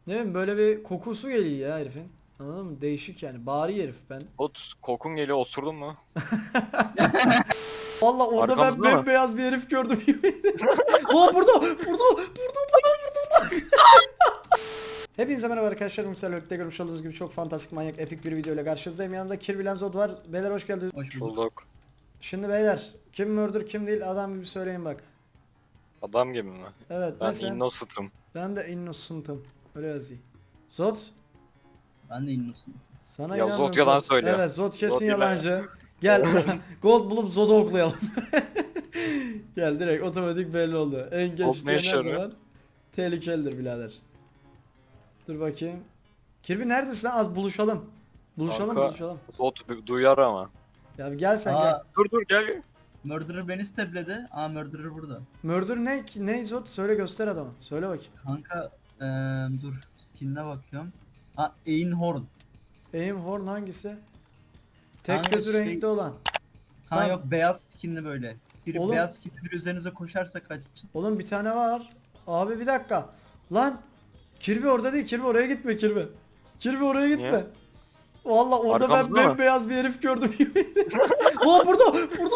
Ne bileyim böyle bir kokusu geliyor ya herifin. Anladın mı? Değişik yani. Bari herif ben. Ot kokun geliyor, osurdun mu? Valla orada ben Arkamızda mı? bembeyaz bir herif gördüm. Aa burada. Hepinize merhaba arkadaşlar. Müsaade görmüş olduğunuz gibi çok fantastik, manyak, epik bir video ile karşınızdayım. Yanımda Kirby Zod var. Beyler hoş geldiniz. Hoş bulduk. Bulduk. Şimdi beyler kim murder kim değil adam gibi söyleyin bak. Adam gibi mi? Evet Ben mesela innocent'ım. ben de innocent'ım. Öyle yazayım. Zod Ben de innocent. sana Ya inanmıyorum Zod yalan Zod. söylüyor. Evet Zod kesin Zod yine- yalancı. Gel gold bulup Zod'u oklayalım. Gel direkt otomatik belli oldu. En Gold geç ne diyen işe her yarıyor? zaman tehlikelidir birader. Dur bakayım. Kirby neredesin lan? Az buluşalım. Buluşalım Kanka. buluşalım. Zod duyar ama. Ya bir gel sen gel. Aa, Dur gel. Murderer beni stepledi. Aa, Murderer burada. Murder ne? Ne Zod? Söyle göster adamı. Söyle bakayım. Kanka dur skin'e bakıyorum. Ha, Einhorn. Aim Horn hangisi? Tek Kanka gözü şey- renkli olan. Ha Tamam. yok, beyaz skinli böyle. Biri Oğlum- beyaz skinli biri üzerinize koşarsa kaçın. Oğlum bir tane var. Abi bir dakika. Lan Kirby orada değil. Kirby oraya gitme Kirby. Kirby oraya gitme. Niye? Valla orada ben Arkamızda mı? bembeyaz bir herif gördüm. Aa burada.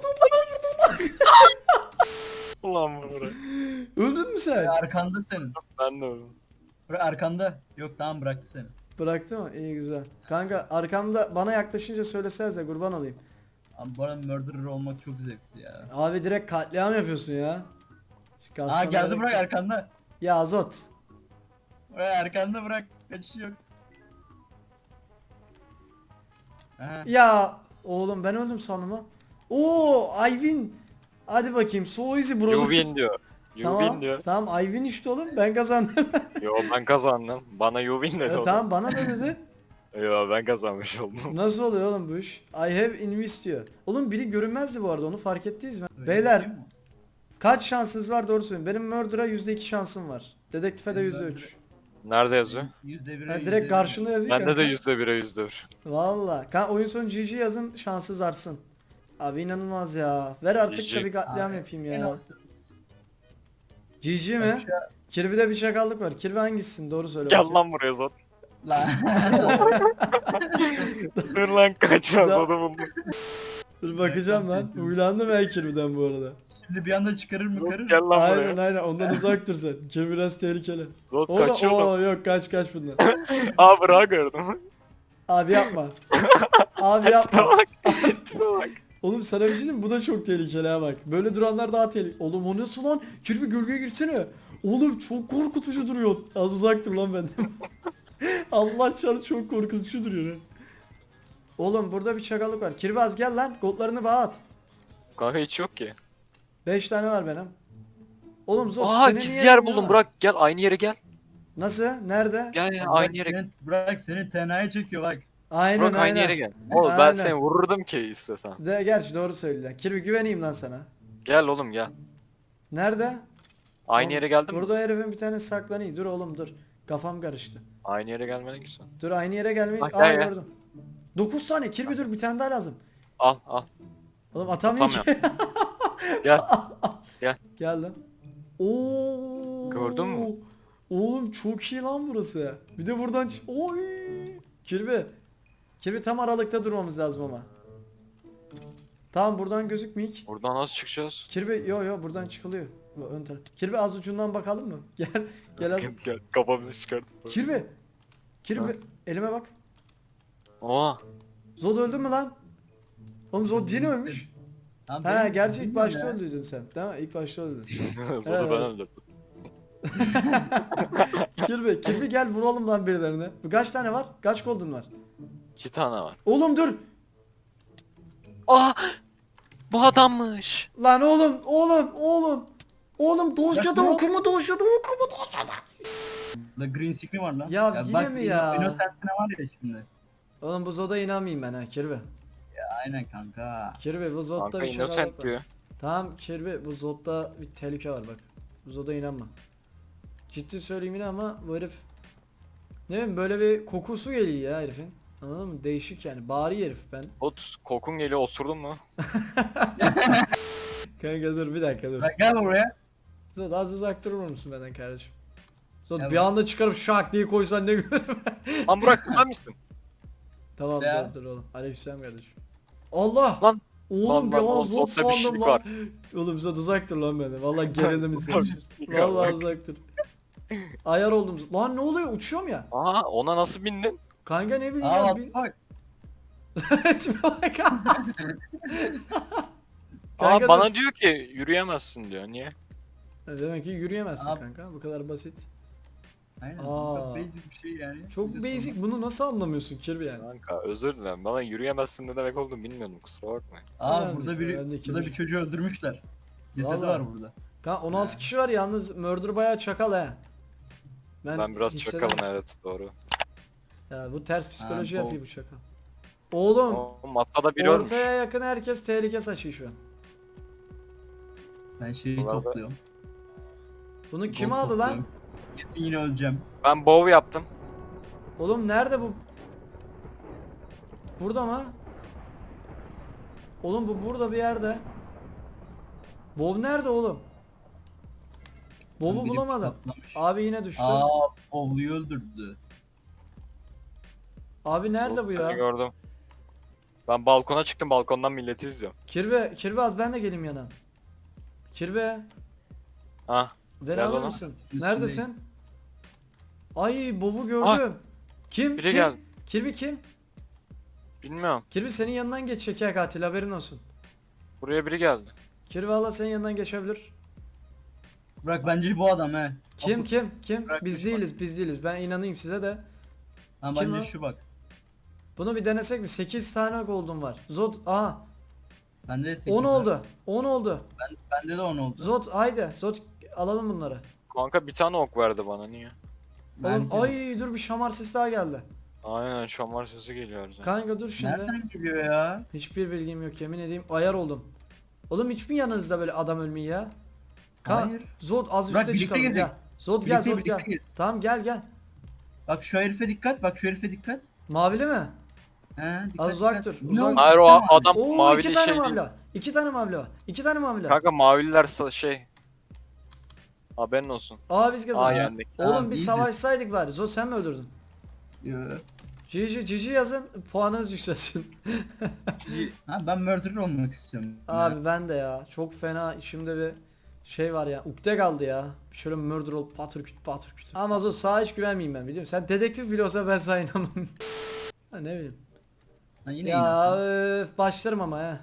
Ulan buraya. Öldün mü sen? Arkanda senin. Ben de öldüm. Bura arkanda. Yok, tamam, bıraktı seni. Bıraktı mı? İyi güzel. Kanka arkamda bana yaklaşınca söylesenize kurban olayım. Abi bu arada Murderer olmak çok zevkli ya. Abi direkt katliam yapıyorsun ya. Şu Aa, kasmana geldi, gerek bırak yok. arkanda. Ya Azot. Buraya arkanda bırak. Kaçışı yok. Aha. Ya oğlum ben öldüm sandım lan. Oo Ayvin. Hadi bakayım. So easy bro. You win diyor. You Tamam. win diyor. Tamam Ayvin işte oğlum. Ben kazandım. Yo ben kazandım. Bana you win dedi oğlum. Tamam bana da dedi. Yo ben kazanmış oldum. Nasıl oluyor oğlum bu iş? I have invest diyor. Oğlum biri görünmezdi bu arada onu fark ettiniz mi? Öyle Beyler bir şey mi? kaç şansınız var doğru söyleyin. Benim murder'a %2 şansım var. Dedektife de Benim %3. Nerede yazıyor? %1'e Ha, %1'e. direkt karşında yazıyor. Bende de kanka. %1'e %1. Valla. Oyun sonu GG yazın şanssız artsın. Abi inanılmaz ya. Ver artık GG. da bir katliam Abi, yapayım en ya. olsun. GG mi? Aşağı- Kirby'de bir çakallık var. Kirby hangisisin? Doğru söyle. Gel bakayım. lan buraya Zod. Lan. Dur lan kaçmaz Da- Zod'u buldum. Dur bakacağım lan. Huylandım ben Kirby'den bu arada. Şimdi bir anda çıkarır mı karır? Gel lan Aynen buraya. aynen ondan uzak dur sen. Kirby biraz tehlikeli. Zod Oğlum kaçıyor lan. oo yok kaç bundan. Aa bırak gördüm. Abi yapma. Abi yapma. Bak. Bak. Oğlum sana bir şey diyeyim mi? Bu da çok tehlikeli ha bak. Böyle duranlar daha tehlikeli. Oğlum o nasıl lan? Kirby gölgeye girsene. Oğlum çok korkutucu duruyor. Az uzak dur lan benden. Allah çarpı çok korkutucu duruyor ha. Oğlum burada bir çakallık var. Kirby az gel lan. Goldlarını bana at. Kanka hiç yok ki. 5 tane var benim. Oğlum Zot Aa senin gizli niye yer elinde buldum var? Burak gel aynı yere gel. Nasıl? Nerede? Gel ya Bırak aynı yere. bırak seni tenaya çekiyor bak. Aynen Burak aynı aynen. yere gel. Oğlum ben Aynen. seni vururdum ki istesem. De, gerçi doğru söylüyorsun. Kirby güveneyim lan sana. Gel oğlum gel. Nerede? Aynı Oğlum, yere geldin mi? Burada herifin bir tane saklanıyor. Dur oğlum dur. Kafam karıştı. Aynı yere gelmene güzel. Dur aynı yere gelmeyiz. Bak, Aa gel, gel. gördüm. 9 tane. Kirby dur bir tane daha lazım. Al. Oğlum atamıyor ki. Gel. Gel lan. Oo. Gördün mü? Oğlum çok iyi lan burası. Bir de buradan oy. Kirby. Kirby tam aralıkta durmamız lazım ama. Tamam buradan gözükmeyik. Buradan nasıl çıkacağız? Kirby yo buradan çıkılıyor. Bu ön taraf. Kirby az ucundan bakalım mı? Gel az. Gel kafamızı çıkart. Kirby Ha? elime bak. Oha. Zod öldü mü lan? Oğlum Zod yine ölmüş. Lan He benim- gerçi ilk bilmiyorum başta ya. öldüydün sen. Değil mi? İlk başta öldün. Zod'u Evet. ben öldürdüm. Kirby gel vuralım lan birilerine. Bu kaç tane var? Kaç golden var? 2 tane var. Oğlum dur. Aa! Bu adammış. Lan oğlum. Oğlum Doja'da Ya, ne okuma. La green screen var lan. Ya yine bak, mi ya? Innocent'ine var ya şimdi. Oğlum bu Zod'a inanmayayım ben ha Kirby. Aynen kanka. Kirby bu Zod'da Kanka bir şey var. innocent diyor. Tamam Kirby bu Zod'da bir tehlike var bak. Bu Zod'a inanma. Ciddi söyleyeyim yine ama bu herif ne bileyim böyle bir kokusu geliyor ya herifin. Anladın mı? Değişik yani. Bari herif ben. Ot kokun geliyor osurdun mu? Kanka dur bir dakika dur. Bak gel buraya. Zod az uzak durur musun benden kardeşim? Sonra Ya bir anda çıkarıp şak diye koysan ne güzel. Lan Burak sen misin? Tamam Ya. dur oğlum. Aleykümselam kardeşim. Allah! Lan. Oğlum bir Lan, an oğlum, zot zotta bir sandım şeylik lan. var. Oğlum Zot uzak dur lan benden. Vallahi gelelim Zotta izle. bir şeylik var, Vallahi bak. uzak dur. Ayar oldum. Lan ne oluyor? Uçuyorum ya. Aa ona nasıl bindin? Kanka ne bileyim Aa ya. what the fuck. Tipe bak. Aa Kanka bana diyor ki yürüyemezsin diyor. Niye? Demek ki yürüyemezsin Abi. kanka. Bu kadar basit. Aynen. Aa. Çok basic bir şey yani. Çok Bize basic. sorma. Bunu nasıl anlamıyorsun Kirby yani? Kanka özür dilerim. Bana yürüyemezsin ne demek olduğunu bilmiyordum. Kusura bakmayın. Aa Önemli burada değil, önemli biri değil. burada bir çocuğu öldürmüşler. Cesedi Vallahi. var burada. Kanka 16 Ha. kişi var yalnız Murder bayağı çakal he. Ben biraz hissederim. çakalım evet doğru. Ya bu ters psikoloji Ha, yapıyor bu çakal. Oğlum O masada biri ölmüş. ortaya yakın herkes tehlike saçıyor şu an. Ben şeyi Bunlar da- topluyorum. Bunu kim Gold aldı lan? topluyorum. Kesin yine öleceğim. Ben bow yaptım. Oğlum nerede bu? Burada mı? Oğlum bu burada bir yerde. Bov nerede oğlum? Bov'u Biri bulamadım. patlamış. Abi yine düştü. Aa Bowlu'yu öldürdü. Abi nerede bu Seni ya? gördüm. Ben balkona çıktım. Balkondan milleti izliyorum. Kirbe az ben de geleyim yana. Kirbe Ha. beni Gel alır bana. mısın? Üstündeyim. Neredesin? Ay Bov'u gördüm. Ah, Kim? biri Kim? geldi. Kirby kim? Bilmiyorum. Kirby senin yanından geç şeker katil haberin olsun. Buraya biri geldi. Kirby valla senin yanından geçebilir. Bırak bence bu adam he. Kim Bak, kim? Bırakmış Biz değiliz biz değiliz. Ben inanayım size de. Ha Kim bence o? şu bak. Bunu bir denesek mi? 8 tane gold'um var. Zod aha Bende de 8 10 var. oldu. 10 oldu. Bende de 10 oldu. Zod haydi. Zod alalım bunları. Kanka bir tane ok verdi bana niye? Oğlum Bence de. ay dur bir şamar sesi daha geldi. Aynen şamar sesi geliyor her zaman. Kanka dur şimdi. Nereden geliyor ya? Hiçbir bilgim yok yemin edeyim. Ayar oldum. Oğlum hiç mi yanınızda böyle adam ölmeyi ya? Hayır. Zod az Bırak, üste birlikte çıkalım gezek. gel. Zod gel Birlikte- Zod gel. birlikte gez. Tamam gel. Bak şu herife dikkat. Bak şu herife dikkat. Mavili mi? He dikkat. Az uzak dikkat. dur, Ne uzak oldu? dur. Hayır o İstemem. adam Oo mavili iki tane şey mavili değil. var. 2 tane mavili var. 2 tane mavili var. Kanka mavililer şey. Haberin olsun. Aa biz Aa kazandık. yendik. Oğlum Tamam, bir easy. savaşsaydık bari. Zod sen mi öldürdün? Yo. GG yazın puanınız yükselsin. Ha ben murderer olmak istiyorum. Abi ben de ya çok fena içimde bir şey var ya. Ukde kaldı ya. Şöyle murder ol patır küt. Ama Zod sağa hiç güvenmeyeyim ben biliyorum. Sen dedektif bile olsa ben sana inanmam. Ha ne bileyim. Ha, yine Ya inansın. başlarım ama ya.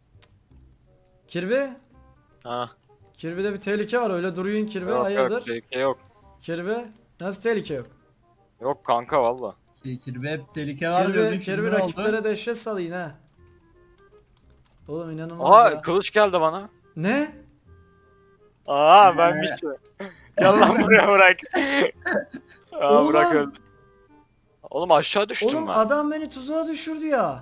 Kirby? Ha. Kirby'de bir tehlike var öyle duruyorsun Kirby Yok hayırdır? yok tehlike yok. Kirby? Nasıl tehlike yok? Yok kanka valla. Kirby hep tehlike var diyordun. Kirby Şimdi ne rakiplere oldu? dehşet salıyın ha. Oğlum inanılmaz Aha ya. kılıç geldi bana. Ne? Aa ben bir şey. Gel lan buraya bırak. Aa Oğlum. bırak öldü. Oğlum aşağı düştüm Oğlum ben. adam beni tuzağa düşürdü ya.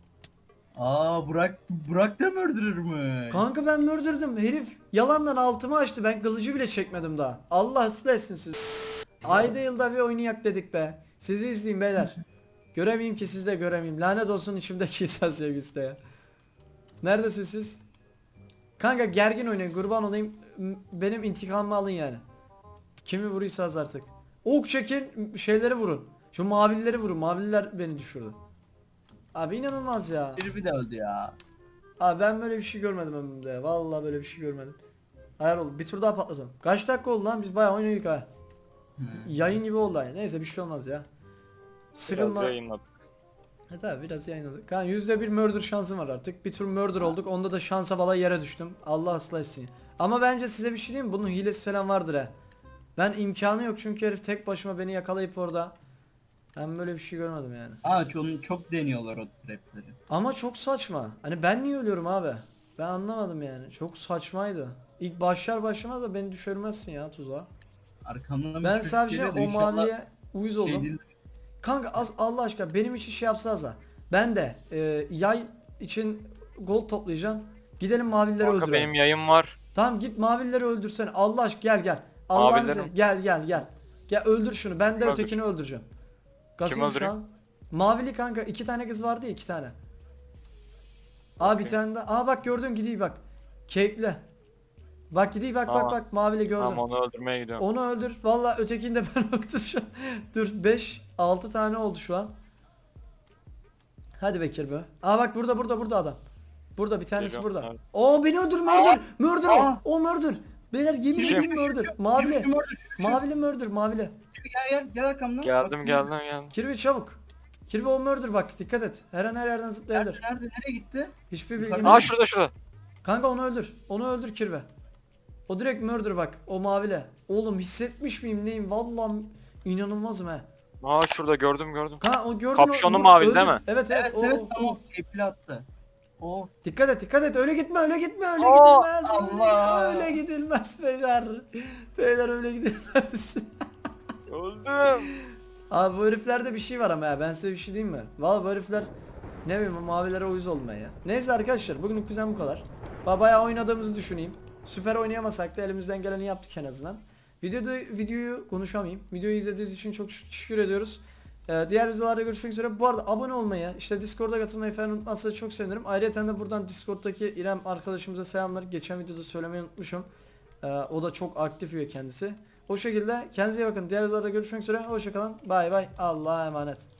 Aa Burak da murderer mı? Kanka ben öldürdüm. Herif yalandan altımı açtı. Ben kılıcı bile çekmedim daha. Allah ıslah etsin sizi. Ayda yılda bir oynayak dedik be. Sizi izleyin beyler. Göremeyeyim ki siz de göremeyeyim. Lanet olsun içimdeki insan sevgisi de ya. Neredesiniz siz? Kanka gergin oynayın kurban olayım. Benim intikamımı alın yani. Kimi vuruysanız artık. Ok çekin şeyleri vurun. Şu mavileri vurun. Mavililer beni düşürdü. Abi inanılmaz ya. Kirby de öldü ya. Abi ben böyle bir şey görmedim ömrümde ya. Vallahi böyle bir şey görmedim. Hayal oldu. Bir tur daha patlatalım. Kaç dakika oldu lan? Biz bayağı oynadık ha. Yayın gibi oldu yani. Neyse bir şey olmaz ya. Biraz Sıkılma. yayınladık. Evet abi biraz yayınladık. Kan %1 murder şansım var artık. Bir tur murder olduk. Onda da şansa bala yere düştüm. Allah ıslah etsin. Ama bence size bir şey diyeyim mi? Bunun hilesi falan vardır ha. Ben imkanı yok çünkü herif tek başıma beni yakalayıp orada. Ben böyle bir şey görmedim yani. Aa çok deniyorlar o trapleri. Ama çok saçma. Hani ben niye ölüyorum abi? Ben anlamadım yani. Çok saçmaydı. İlk başlamaz da beni düşürmezsin ya tuzağa. Arkamdan bir Ben çocuk sadece geliyor da o inşallah maviye uyuz oldum. şey değil. Kanka Allah aşkına benim için şey yapsanız da. Ben de yay için gold toplayacağım. Gidelim mavileri Kanka öldürelim. benim yayın var. Tamam git mavileri öldürsene. Allah aşkına gel. Allah'ını Mavileri seversen mi? gel. Gel öldür şunu. Ben de Kim ötekini öldüreceğim. Gazıyım şu öldüreyim? an. Mavili kanka 2 tane kız vardı ya 2 tane. Aa bir Okey. tane daha. Aa bak gördün gidiyor bak. Keyifli. Bak gidiyor bak bak Tamam. bak mavili gördüm. Tamam onu öldürmeye gidiyorum. Onu öldür. Valla ötekini de ben öldüreceğim. Dur 5 6 tane oldu şu an. Hadi Bekir be. Aa bak burada adam. Burada bir tanesi Geliyorum, burada. abi. Oo beni öldür murder. Murder o. Aa. O murder. Beyler yemin Düşün, edeyim murder. Mavili. Şu murder, şu. Mavili murder mavili. Gel arkamdan. Geldim Bak, geldim. Kirby çabuk. Kirby o murder bak dikkat et. Her an her yerden zıplayabilir. Nereye gitti? Hiçbir Yukarıda. bilgin Aa yok. şurada. Kanka onu öldür. Onu öldür Kirby. O direkt murder bak. O mavile. Oğlum hissetmiş miyim neyim? Vallahi inanılmazım he. Aa şurada gördüm. Kanka o gördün Kapşonlu o, mavili öldür. değil mi? Evet Evet o, evet o. tamam. Keyifli attı. O. Dikkat et öyle gitme öyle gidilmez Allah. öyle gidilmez beyler öyle gidilmez. Öldüm. Abi bu heriflerde bir şey var ama ya ben size bir şey diyeyim mi? Vallahi bu herifler ne bileyim mavilere uyuz olmaya ya. Neyse arkadaşlar bugünlük bizden bu kadar. Bayağı oynadığımızı düşüneyim. Süper oynayamasak da elimizden geleni yaptık en azından. Videoyu konuşamayayım. Videoyu izlediğiniz için çok teşekkür ediyoruz. Diğer videolarda görüşmek üzere. Bu arada abone olmayı, işte Discord'a katılmayı falan unutmazsanız çok sevinirim. Ayrıca de buradan Discord'daki İrem arkadaşımıza selamlar. Geçen videoda söylemeyi unutmuşum. O da çok aktif üye kendisi. O şekilde kendinize iyi bakın. Diğer videolarda görüşmek üzere. Hoşçakalın. Bay bay. Allah'a emanet.